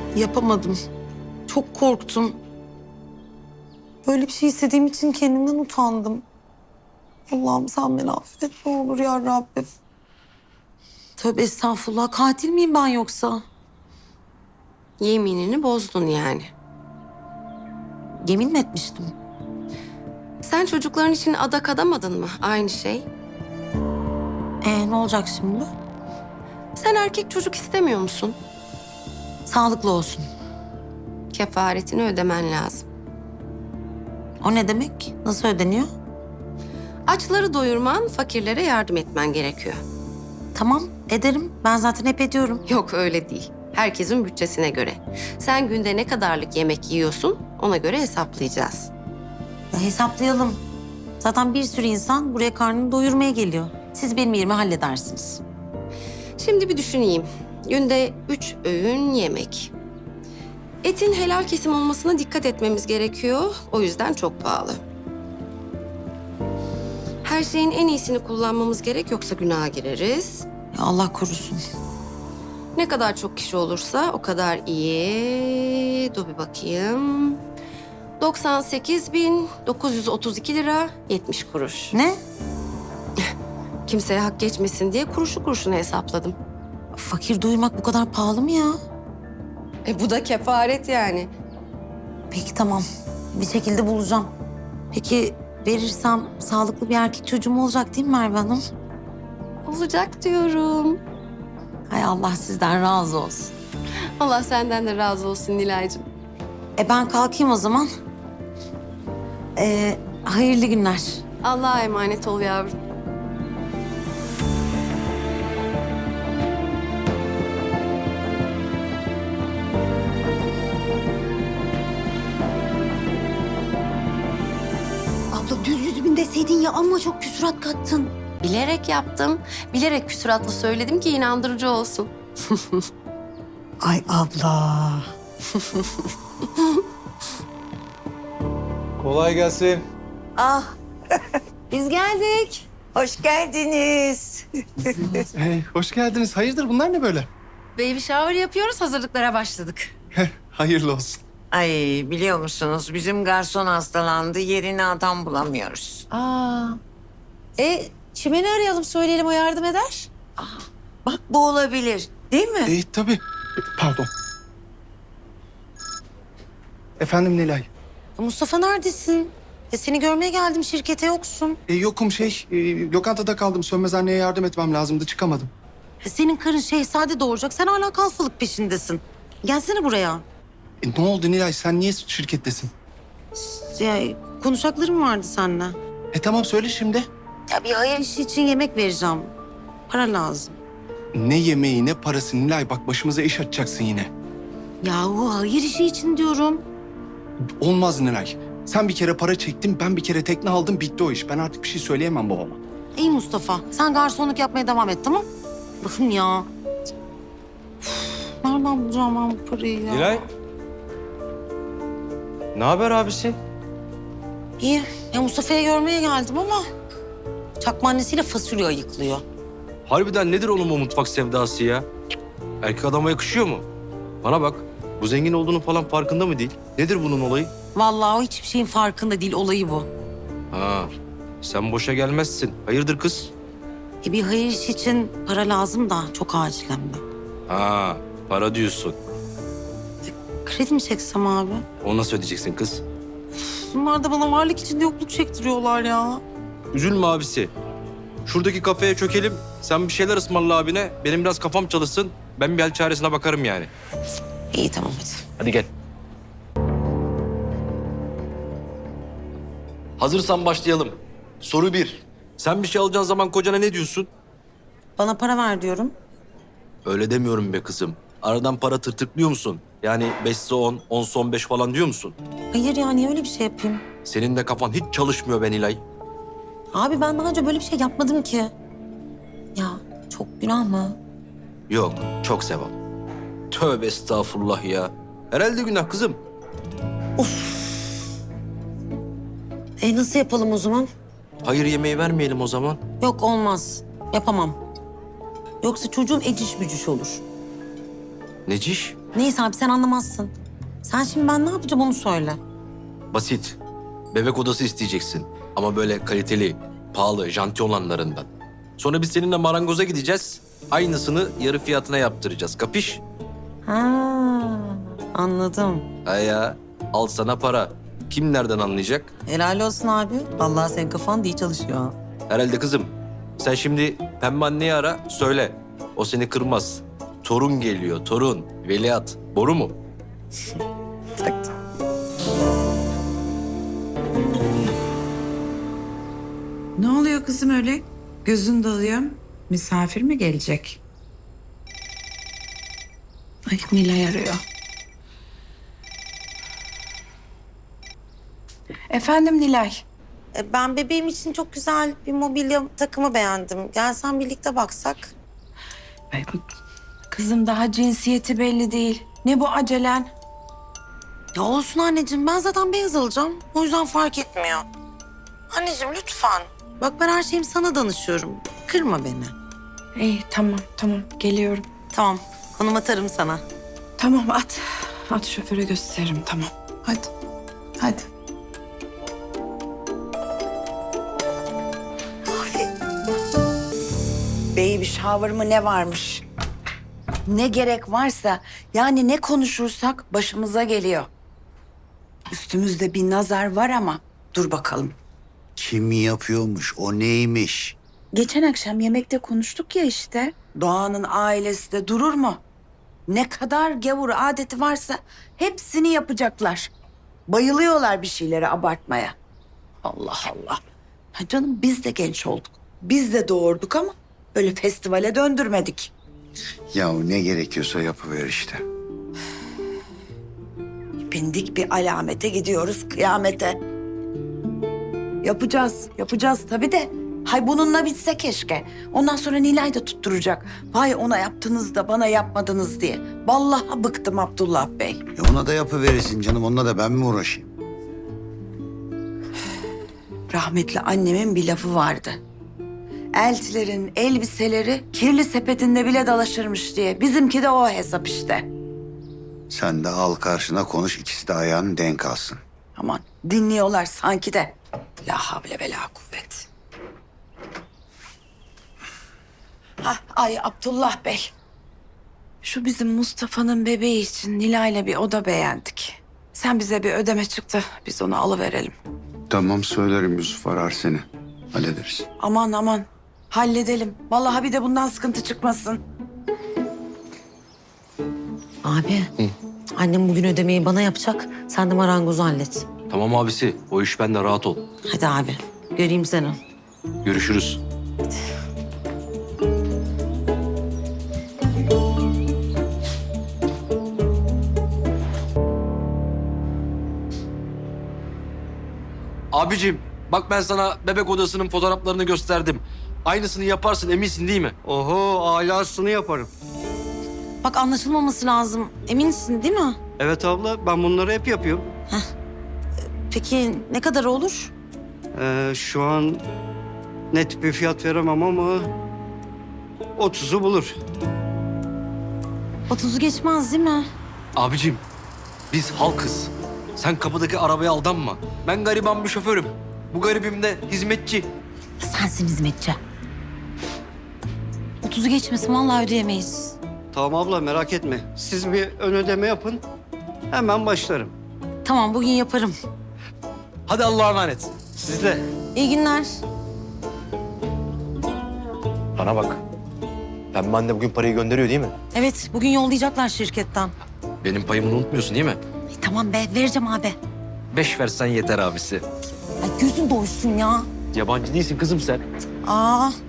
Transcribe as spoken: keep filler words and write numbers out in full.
Yapamadım. Çok korktum. Böyle bir şey istediğim için kendimden utandım. Allah'ım sen beni affet ne olur ya Rabbim. Tövbe estağfurullah. Katil miyim ben yoksa? Yeminini bozdun yani. Yemin mi etmiştim? Sen çocukların için adak adamadın mı? Aynı şey. Ee, ne olacak şimdi? Sen erkek çocuk istemiyor musun? Sağlıklı olsun. Kefaretini ödemen lazım. O ne demek? Nasıl ödeniyor? Açları doyurman, fakirlere yardım etmen gerekiyor. Tamam, ederim. Ben zaten hep ediyorum. Yok öyle değil. Herkesin bütçesine göre. Sen günde ne kadarlık yemek yiyorsun ona göre hesaplayacağız. Ya hesaplayalım. Zaten bir sürü insan buraya karnını doyurmaya geliyor. Siz benim yerime halledersiniz. Şimdi bir düşüneyim. Günde üç öğün yemek. Etin helal kesim olmasına dikkat etmemiz gerekiyor. O yüzden çok pahalı. Her şeyin en iyisini kullanmamız gerek yoksa günaha gireriz. Ya Allah korusun. Ne kadar çok kişi olursa o kadar iyi. Dur bir bakayım. doksan sekiz bin dokuz yüz otuz iki lira yetmiş kuruş. Ne? Kimseye hak geçmesin diye kuruşu kuruşuna hesapladım. Fakir doyurmak bu kadar pahalı mı ya? E bu da kefaret yani. Peki tamam. Bir şekilde bulacağım. Peki verirsem sağlıklı bir erkek çocuğum olacak değil mi Merve Hanım? Olacak diyorum. Hay Allah sizden razı olsun. Allah senden de razı olsun Nilay'cığım. E ben kalkayım o zaman. Ee, hayırlı günler. Allah'a emanet ol yavrum. Abla düz yüz bin deseydin ya ama çok küsurat kattın. Bilerek yaptım. Bilerek küsuratlı söyledim ki inandırıcı olsun. Ay abla. Kolay gelsin. Ah biz geldik. Hoş geldiniz. Hey, hoş geldiniz. Hayırdır bunlar ne böyle? Baby shower yapıyoruz, hazırlıklara başladık. Hayırlı olsun. Ay biliyor musunuz bizim garson hastalandı. Yerine adam bulamıyoruz. Aa. E, Çimen'i arayalım, söyleyelim, o yardım eder. Bak bu olabilir değil mi? E, tabii. Pardon. Efendim Nilay. Mustafa neredesin? E seni görmeye geldim şirkete yoksun. E, yokum şey, e, lokantada kaldım. Sönmez anneye yardım etmem lazımdı. Çıkamadım. E, senin karın şehzade doğuracak. Sen hala kalfalık peşindesin. Gelsene buraya. E, ne oldu Nilay? Sen niye şirkettesin? Ya, konuşacaklarım vardı seninle. E tamam söyle şimdi. Ya bir hayır işi için yemek vereceğim. Para lazım. Ne yemeği ne parası Nilay. Bak başımıza iş açacaksın yine. Yahu hayır işi için diyorum. Olmaz Nilay. Sen bir kere para çektin, ben bir kere tekne aldım. Bitti o iş. Ben artık bir şey söyleyemem babama. İyi Mustafa. Sen garsonluk yapmaya devam et tamam? Bakın ya. Üf, nereden bulacağım ben bu parayı ya? Nilay. Ne haber abisi? İyi. Ya Mustafa'yı görmeye geldim ama... ...çakma annesiyle fasulye ayıklıyor. Harbiden nedir onun bu mutfak sevdası ya? Cık, erkek adama yakışıyor mu? Bana bak, bu zengin olduğunun falan farkında mı değil? Nedir bunun olayı? Vallahi o hiçbir şeyin farkında değil. Olayı bu. Ha, sen boşa gelmezsin. Hayırdır kız? E bir hayır işi için para lazım da çok acil hem de. Ha, para diyorsun. Kredi mi çeksem abi? Onu nasıl ödeyeceksin kız? Bunlar da bana varlık içinde yokluk çektiriyorlar ya. Üzülme abisi. Şuradaki kafeye çökelim. Sen bir şeyler ısmarla abine. Benim biraz kafam çalışsın. Ben bir hal çaresine bakarım yani. İyi tamam hadi. Hadi gel. Hazırsan başlayalım. Soru bir. Sen bir şey alacağın zaman kocana ne diyorsun? Bana para ver diyorum. Öyle demiyorum be kızım. Aradan para tırtıklıyor musun? Yani beşse on, onsa on beş falan diyor musun? Hayır ya niye öyle bir şey yapayım? Senin de kafan hiç çalışmıyor be Nilay. Abi ben daha önce böyle bir şey yapmadım ki. Ya çok günah mı? Yok, çok sevap. Tövbe estağfurullah ya. Herhalde günah kızım. E nasıl yapalım o zaman? Hayır yemeği vermeyelim o zaman. Yok olmaz. Yapamam. Yoksa çocuğum eciş bücüş olur. Neciş? Neyse abi sen anlamazsın. Sen şimdi ben ne yapacağım onu söyle. Basit. Bebek odası isteyeceksin. Ama böyle kaliteli, pahalı, janti olanlarından. Sonra biz seninle marangoza gideceğiz. Aynısını yarı fiyatına yaptıracağız. Kapış? Ha, anladım. Ha ya. Al sana para. Kim nereden anlayacak? Helal olsun abi. Vallahi senin kafan da iyi çalışıyor. ha. Herhalde kızım. Sen şimdi Pembe anneyi ara, söyle. O seni kırmaz. Torun geliyor, torun. Veliaht. Boru mu? Taktım. Ne oluyor kızım öyle? Gözün dalıyor. Misafir mi gelecek? Ay Nilay arıyor. Efendim Nilay. E, Ben bebeğim için çok güzel bir mobilya takımı beğendim. Gelsen birlikte baksak. Ay, kızım daha cinsiyeti belli değil. Ne bu acelen? Ya olsun anneciğim ben zaten beyaz alacağım. O yüzden fark etmiyor. Anneciğim lütfen. Bak ben her şeyimi sana danışıyorum. Kırma beni. İyi tamam tamam geliyorum. Tamam konum atarım sana. Tamam at. At şoföre gösteririm tamam. Hadi. Hadi. Baby shower mı ne varmış? Ne gerek varsa yani ne konuşursak başımıza geliyor. Üstümüzde bir nazar var ama dur bakalım. Kim yapıyormuş, o neymiş? Geçen akşam yemekte konuştuk ya işte. Doğan'ın ailesi de durur mu? Ne kadar gavur adeti varsa hepsini yapacaklar. Bayılıyorlar bir şeyleri abartmaya. Allah Allah. Ha canım biz de genç olduk. Biz de doğurduk ama böyle festivale döndürmedik. Ya ne gerekiyorsa yapıver işte. Bindik bir alamete gidiyoruz kıyamete. Yapacağız, yapacağız tabii de. Hay bununla bitse keşke. Ondan sonra Nilay da tutturacak. Vay ona yaptınız da bana yapmadınız diye. Vallahi bıktım Abdullah Bey. E ona da yapıverirsin canım, onunla da ben mi uğraşayım? Rahmetli annemin bir lafı vardı. Eltilerin elbiseleri kirli sepetinde bile dalaşırmış diye. Bizimki de o hesap işte. Sen de al karşına konuş, ikisi de ayağını denk alsın. Aman dinliyorlar sanki de. La havle ve la kuvvet. Hah, ay Abdullah Bey. Şu bizim Mustafa'nın bebeği için Nilay'la bir oda beğendik. Sen bize bir ödeme çıktı. Biz onu alıverelim. Tamam söylerim, Yusuf arar seni. Hallederiz. Aman aman. Halledelim. Vallahi bir de bundan sıkıntı çıkmasın. Abi annem bugün ödemeyi bana yapacak. Sen de marangozu hallet. Tamam abisi. O iş bende, rahat ol. Hadi abi göreyim seni. Görüşürüz. Abicim bak ben sana bebek odasının fotoğraflarını gösterdim. Aynısını yaparsın eminsin değil mi? Oho, alasını yaparım. Bak anlaşılmaması lazım. Eminsin değil mi? Evet abla, ben bunları hep yapıyorum. Peki ne kadar olur? Ee, şu an net bir fiyat veremem ama otuzu bulur. Otuzu geçmez değil mi? Abicim biz halkız. Sen kapıdaki arabaya aldanma. Ben gariban bir şoförüm. Bu garibim de hizmetçi. Sensin hizmetçi. Otuzu geçmesin vallahi ödeyemeyiz. Tamam abla, merak etme. Siz bir ön ödeme yapın, hemen başlarım. Tamam bugün yaparım. Hadi Allah'a emanet. Siz de. İyi günler. Bana bak. Pembe anne bugün parayı gönderiyor değil mi? Evet bugün yollayacaklar şirketten. Benim payımı unutmuyorsun değil mi? E, tamam be vereceğim abi. Beş versen yeter abisi. Ay gözün doysun ya. Yabancı değilsin kızım sen. Aa